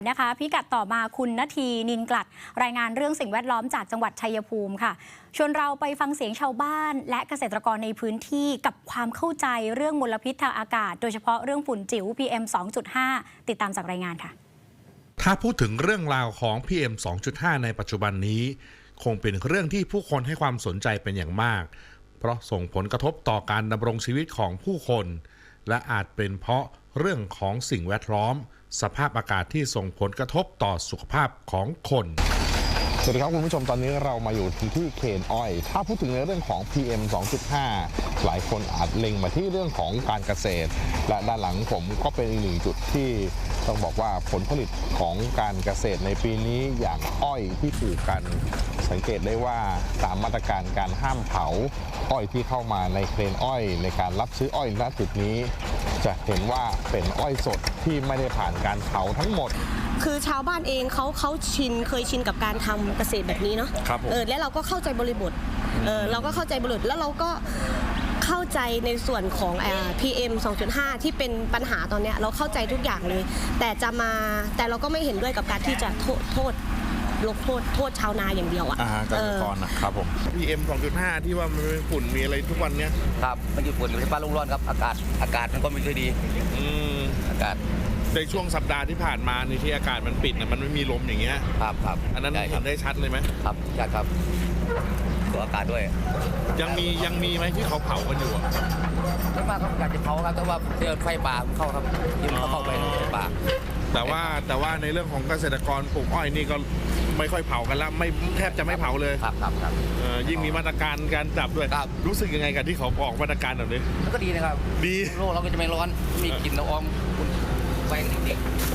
นะคะพิกัดต่อมาคุณณทีนินกลัดรายงานเรื่องสิ่งแวดล้อมจากจังหวัดชัยภูมิค่ะชวนเราไปฟังเสียงชาวบ้านและเกษตรกรในพื้นที่กับความเข้าใจเรื่องมลพิษทางอากาศโดยเฉพาะเรื่องฝุ่นจิ๋ว PM 2.5 ติดตามจากรายงานค่ะถ้าพูดถึงเรื่องราวของ PM 2.5 ในปัจจุบันนี้คงเป็นเรื่องที่ผู้คนให้ความสนใจเป็นอย่างมากเพราะส่งผลกระทบต่อการดำรงชีวิตของผู้คนและอาจเป็นเพราะเรื่องของสิ่งแวดล้อมสภาพอากาศที่ส่งผลกระทบต่อสุขภาพของคนสวัสดีครับคุณผู้ชมตอนนี้เรามาอยู่ที่เคนอ้อยถ้าพูดถึงในเรื่องของ PM 2.5 หลายคนอาจเล็งมาที่เรื่องของการเกษตรและด้านหลังผมก็เป็นอีกหนึ่งจุดที่ต้องบอกว่าผลผลิตของการเกษตรในปีนี้อย่างอ้อยที่ปลูกกันสังเกตได้ว่าตามมาตรการการห้ามเผาอ้อยที่เข้ามาในเครนอ้อยในการรับซื้ออ้อยณจุดนี้จะเห็นว่าเป็นอ้อยสดที่ไม่ได้ผ่านการเผาทั้งหมดคือชาวบ้านเองเขาเคยชินกับการทำเกษตรแบบนี้เนาะและเราก็เข้าใจบริบทเราก็เข้าใจบริบทแล้วเราก็เข้าใจในส่วนของPM 2.5 ที่เป็นปัญหาตอนนี้เราเข้าใจทุกอย่างเลยแต่เราก็ไม่เห็นด้วยกับการที่จะโทษชาวนาอย่างเดียวเกษตรกรนะครับผม PM 2.5 ที่ว่ามันเป็นฝุ่นมีอะไรทุกวันเนี้ยครับมันอยู่ฝุ่นอยู่ที่บ้านลุงร้อนครับอากาศมันก็ไม่ค่อยดีอากาศในช่วงสัปดาห์ที่ผ่านมาในที่อากาศมันปิดมันไม่มีลมอย่างเงี้ยครับอันนั้นเห็นได้ชัดเลยไหมครับชัดครับตัวอากาศด้วยยังมีไหมที่เขาเผากันอยู่ไม่มากครับอยากจะเผาครับแต่ว่าเดินไฟป่าเข้าครับยิ่งเข้าไปในป่าแต่ว่าในเรื่องของเกษตรกรปลูกอ้อยนี่ก็ไม่ค่อยเผากันแล้วไม่แทบจะไม่เผาเลยครับยิ่งมีมาตรการการจับด้วยรู้สึกยังไงกันที่เขาออกมาตรการแบบนี้ก็ดีนะครับดีโลกเราก็จะไม่ร้อนมีกลิ่นละอองแป้งเด็ก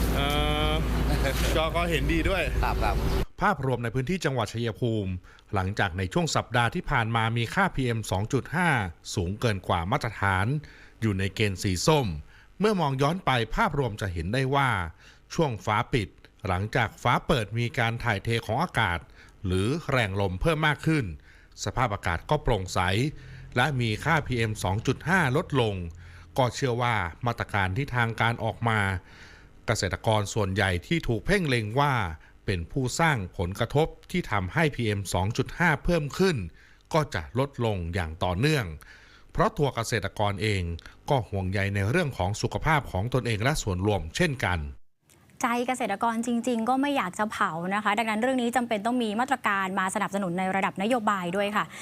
ก็เห็นดีด้วยครับภาพรวมในพื้นที่จังหวัดชัยภูมิหลังจากในช่วงสัปดาห์ที่ผ่านมามีค่า PM 2.5 สูงเกินกว่ามาตรฐานอยู่ในเกณฑ์สีส้มเมื่อมองย้อนไปภาพรวมจะเห็นได้ว่าช่วงฟ้าปิดหลังจากฟ้าเปิดมีการถ่ายเทของอากาศหรือแรงลมเพิ่มมากขึ้นสภาพอากาศก็โปร่งใสและมีค่า PM 2.5 ลดลงก็เชื่อว่ามาตรการที่ทางการออกมาเกษตรกรส่วนใหญ่ที่ถูกเพ่งเล็งว่าเป็นผู้สร้างผลกระทบที่ทำให้ PM 2.5 เพิ่มขึ้นก็จะลดลงอย่างต่อเนื่องเพราะตัวเกษตรกรเองก็ห่วงใยในเรื่องของสุขภาพของตนเองและส่วนรวมเช่นกันใจเกษตรกรจริงๆก็ไม่อยากจะเผานะคะดังนั้นเรื่องนี้จำเป็นต้องมีมาตรการมาสนับสนุนในระดับนโยบายด้วยค่ะ